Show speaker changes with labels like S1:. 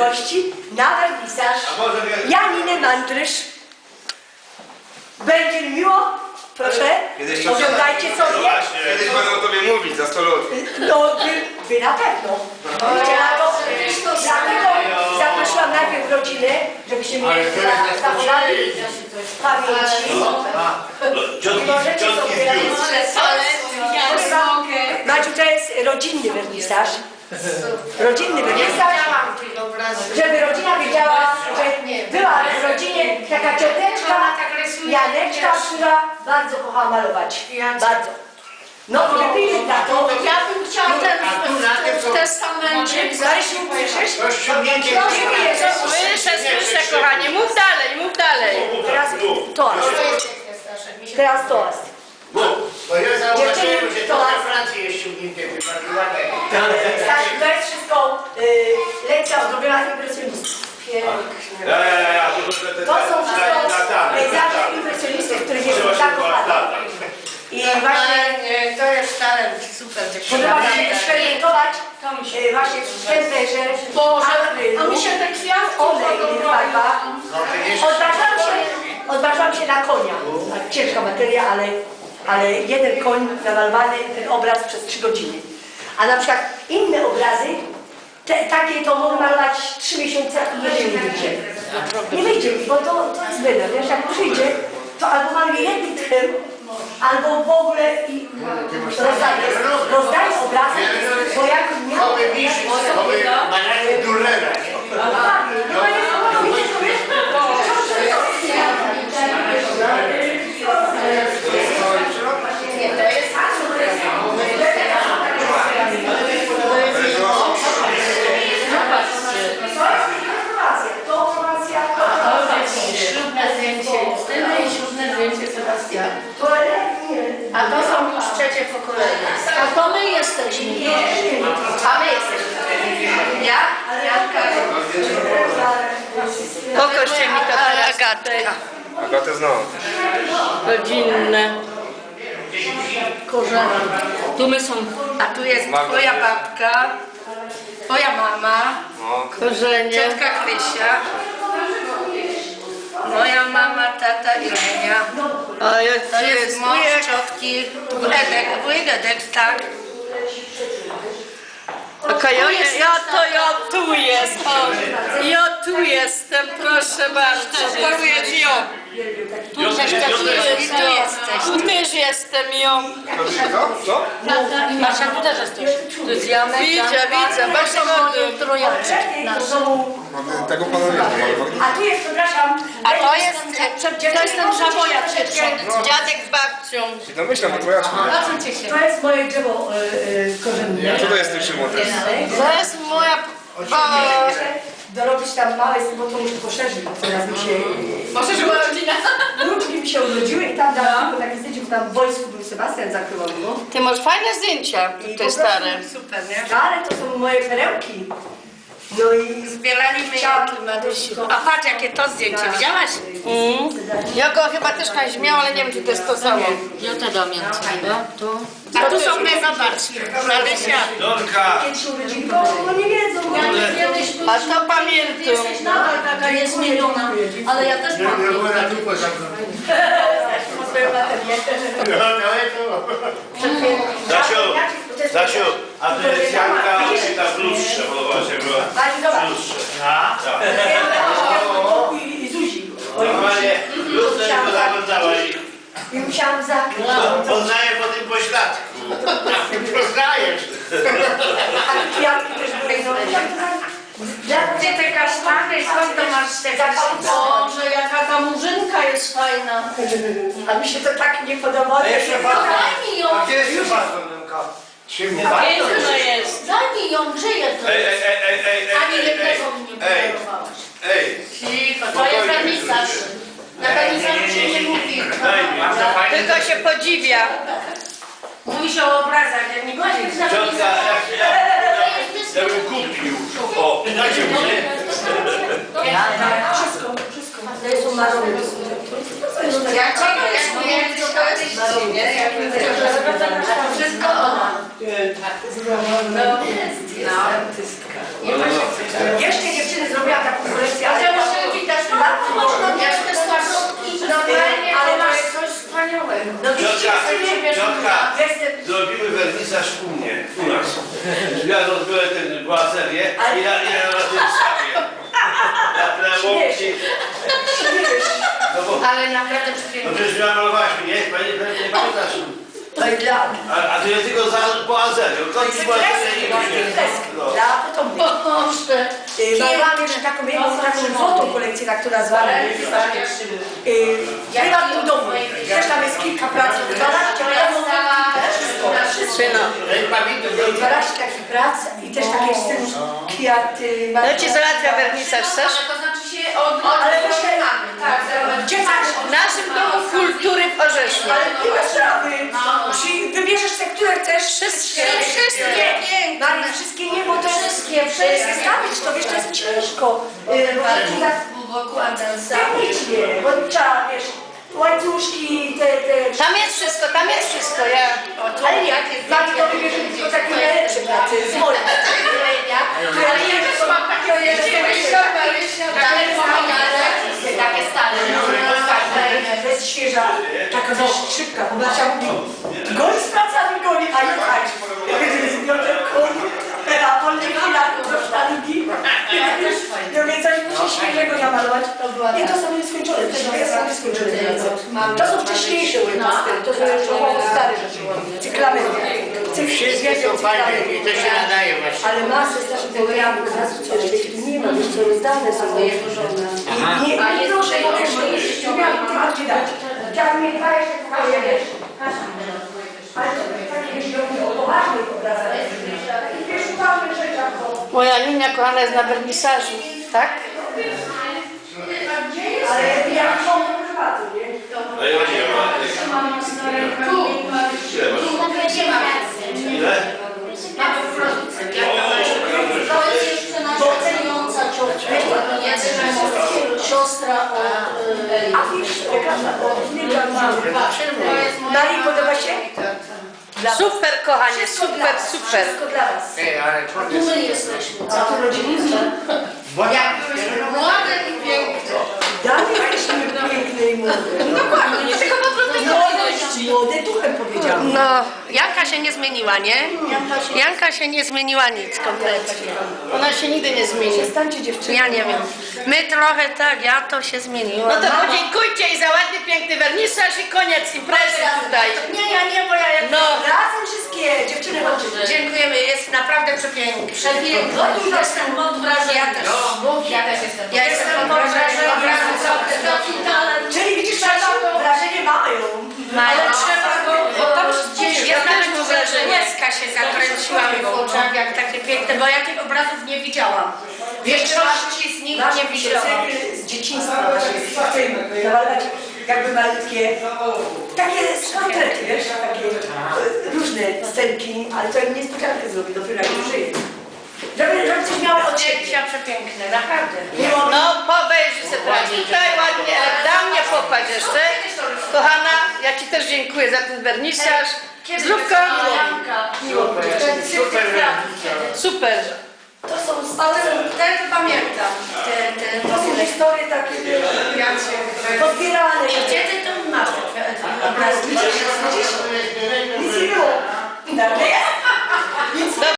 S1: gości na wernisaż Janiny Mandrysz. Będzie mi miło, proszę, oglądajcie sobie.
S2: Kiedyś będę o tobie mówić za 100 lat.
S1: No, wy na pewno. Dlatego zaprosiłam najpierw rodzinę, żebyście mnie zachowali pamięci. I możecie sobie Maciu, to jest rodzinny wernisaż. Rodzinny wernisaż. Żeby rodzina wiedziała, że była w rodzinie taka cioteczka, Janeczka, która bardzo kochała malować. Bardzo. No i wypili na to.
S3: Ja bym chciała w testamencie.
S1: Marysiu, słyszysz?
S3: Słyszę, kochanie. Mów dalej.
S1: Teraz toast. Teraz toast.
S4: Bo ja zauważyłem,
S1: Dziewczyny,
S4: że to na Francji jest ściągnięte wypadki ładne.
S1: Stasiu, to jest wszystko lekcja odrobiona impresjonistów. Pięknie. To są wszystko pejzaże impresjonistów, których jest tak kochane. I właśnie
S3: To jest talent, super
S1: podoba mi się
S3: dziewczyna.
S1: eksperymentować właśnie w temperaturze,
S3: A mi się te kwiatki
S1: olej w farbach.
S4: No to jest...
S1: Odważyłam się na konia. Ciężka materia, ale jeden koń namalowany, ten obraz przez 3 godziny. A na przykład inne obrazy, takie to mogę malować 3 miesiące i jeszcze nie wyjdzie. Nie wyjdzie mi, bo to jest byle. Wiesz, jak przyjdzie, to albo maluję jednym tchem, albo w ogóle i rozdaję obrazy, bo jak miałam...
S4: Nowy mistrz, nowy banany Durlera, nie?
S3: Ślubne zdjęcie Justyny i ślubne zdjęcie Sebastiana. A to są już trzecie pokolenie. A to my jesteśmy.
S1: A my jesteśmy. Ja?
S3: Pokażcie mi to Agatka.
S2: Agatę znam.
S3: Rodzinne. Korzenie. Tu my są. A tu jest twoja babka, twoja mama, korzenie, ciotka Krysia, moja mama, tata i Lenia. To jest mąż ciotki, wujek Edek, tak. Ja tu jestem. Ja tu jestem, proszę bardzo. To jest ją. Tu też jestem ją.
S2: Co?
S3: Masza, tu też jesteś. Tu jest Janek. Widzę. Bardzo młody trojaczek nasz.
S2: Tego pana nie znam.
S1: A tu jest, przepraszam,
S3: A to jest ten żaboja dziadek z babcią.
S2: I domyślam, to twoja
S3: Zobaczcie się.
S1: to jest moje drzewo korzenne.
S2: Co to jest ten Szymon też?
S3: To jest moja...
S1: Dorobić tam małe, bo to muszę poszerzyć, bo teraz mi się...
S3: Poszerzyła rodzina.
S1: Wnuczki mi się urodziły i tam dałam takie zdjęcie, bo tam w wojsku był Sebastian zakrywał go.
S3: Ty masz fajne zdjęcia, te stare.
S1: Super, nie? Stare to są moje perełki. No i
S3: Zbieraliśmy
S1: chciałam...
S3: A patrz, jakie to zdjęcie, widziałaś? Ja go chyba też kiedyś miałam, ale nie wiem, czy to jest to samo.
S5: Ja te pamiętam, tu.
S3: A tu są te, zobaczcie. Marysia.
S1: Kiedy się urodzili, bo nie wiedzą.
S3: A to pamiętam.
S5: Nadal taka jest zmieniona, ale ja też mam.
S4: Ja byłem na dupę zamknięty.
S6: Stasiu, a Wenecjanka czy ta w lustrze podobała się była? W lustrze.
S1: I Zuzi.
S6: Normalnie lustrze to zaglądała i
S1: I musiałam zakryć.
S6: poznaję po tym pośladku.
S4: Poznajesz.
S1: A te kwiatki też były.
S3: Gdzie te kasztany, skąd to masz te kasztany?
S5: Boże, jaka ta murzynka jest fajna.
S1: A mi się to tak nie podobało.
S5: Daj mi ją.
S4: A gdzie jest już Bartolomka? Szymon.
S3: Piękna jest.
S5: Daj mi ją, gdzie jest? Ani jednego mi nie podarowałaś.
S3: Cicho,
S5: To jest wernisaż. Na wernisażu się nie mówi.
S3: tylko się podziwia. Mówi się o obrazach, jak nie
S5: Właśnie
S3: podziwi.
S5: na
S6: ciotka,
S5: wernisażu.
S6: ja bym kupił. O, dajcie mi się.
S1: Wszystko. To są marony.
S3: Jak wszystko ona.
S1: Jeszcze dziewczyny zrobią
S6: Ja rozbiorę ten błazerię i na tym szafie. Na łokci. No bo,
S5: Ale naprawdę
S6: no
S5: przepięknie.
S6: przecież namalowałaś mnie, nie pamiętasz? A to ja tylko za błazerią.
S1: Kreski,
S6: No.
S1: dla potomnych. Mamy jeszcze taką jedną taką złotą kolekcję, na która zwana jest w prywatnym domu. Też tam jest kilka prac, 12
S3: Syno.
S1: 12 takich prac i też takie w stylu kwiaty.
S3: No ci załatwia wernisaż, chcesz?
S5: To znaczy się od
S1: Ale właśnie
S5: mamy. Tak,
S1: gdzie masz?
S3: W naszym domu kultury w Orzesznie.
S1: Ale miłe sprawy. Wybierzesz te, które chcesz.
S3: Wszystkie.
S1: Nie, Marii, wszystkie nie, bo to jest wszystkie zestawić, to wiesz, to jest ciężko. Bo tak
S5: Wokół Andelsa.
S1: technicznie, bo trzeba, wiesz, łańcuszki, te...
S3: Tam jest wszystko, ja...
S1: Ale nie, Marii to wybierze tylko takie najlepsze prace, z moich.
S5: Ale ja też mam takie takie stare.
S1: To jest świeża, taka dość szybka, bo Basia mówi, goni z pracami, goni, a ja tak. Ja wiem, że jest a po nie chwila do sztalingi. Ja mówię, coś muszę świeżego namalować. Nie, to są nieskończone, to są nieskończone prace. To są wcześniejsze webmastery, to są jeszcze stare rzeczy. Cyklamy.
S4: Wszystkie są fajne i to się nadaje właśnie.
S1: Ale masy starszych programów, masy coś, nie ma, wiesz co, rozdane są. Nie, proszę, bo wiesz, nie miałam gdzie dać. Chciałabym mieć 20 pokoje, wiesz. Ale to jest takie, jeśli chodzi o poważnych obrazach, takich wiesz, uważnych rzeczach, bo...
S3: Moja Niunia kochana jest na wernisażu, tak?
S1: Ale ja mam prywatny, nie?
S6: No i właśnie, ile?
S5: Mamy w produkcji.
S7: To jest jeszcze nasza celująca ciocia, siostra od...
S1: A wiesz, Marii podoba się?
S3: Super, kochanie, super.
S1: Wszystko dla was.
S4: Ale
S7: Tu my jesteśmy.
S1: A tu rodzinni?
S5: Jak byłyśmy młode i piękne.
S1: Dalej jesteśmy piękne i młode.
S5: Dokładnie, tylko po prostu
S1: Młode duchem powiedziałam.
S3: No, Janka się nie zmieniła, nie? Janka się nie zmieniła nic kompletnie. Ona się nigdy nie zmieni.
S1: Przestańcie dziewczyny.
S3: Ja nie wiem. My trochę tak, ja to się zmieniłam. No to podziękujcie i za ładny, piękny wernisaż i koniec imprezy tutaj.
S1: Nie, bo ja...
S3: No.
S1: Razem wszystkie dziewczyny chodźcie.
S3: Dziękujemy, jest naprawdę przepiękny.
S7: Przepięknie. Jestem pod wrażeniem.
S3: Ja też.
S5: Ja też jestem.
S3: Ja jestem pod wrażeniem.
S7: Taki talent.
S1: Czyli widzisz, wrażenie mają.
S3: Ale
S5: trzeba go
S3: gdzieś, ja nawet mu wrażenie. Łezka się zakręciła mi w oczach, jak takie piękne, bo ja tych obrazów nie widziałam. Większości z nich
S1: Nasze
S3: nie widziałam.
S1: cykl z dzieciństwa naszych namalować jakby malutkie, takie portrety, wiesz, takie różne scenki, ale to niespodziankę zrobi dopiero jak już żyje. Żeby coś miały od siebie.
S3: Zdjęcia przepiękne, naprawdę.
S1: Mimo-
S3: No, pobejrzyj sobie teraz. Tutaj ładnie, dam mnie popatrz jeszcze. Kochana, ja Ci też dziękuję za ten wernisaż. Zdrówko. Super.
S1: To są
S3: Ale te to pamiętam.
S1: to są historie takie podbierane.
S3: Gdzie Ty to masz?
S1: Obrazki. Widzisz? Nic nie było.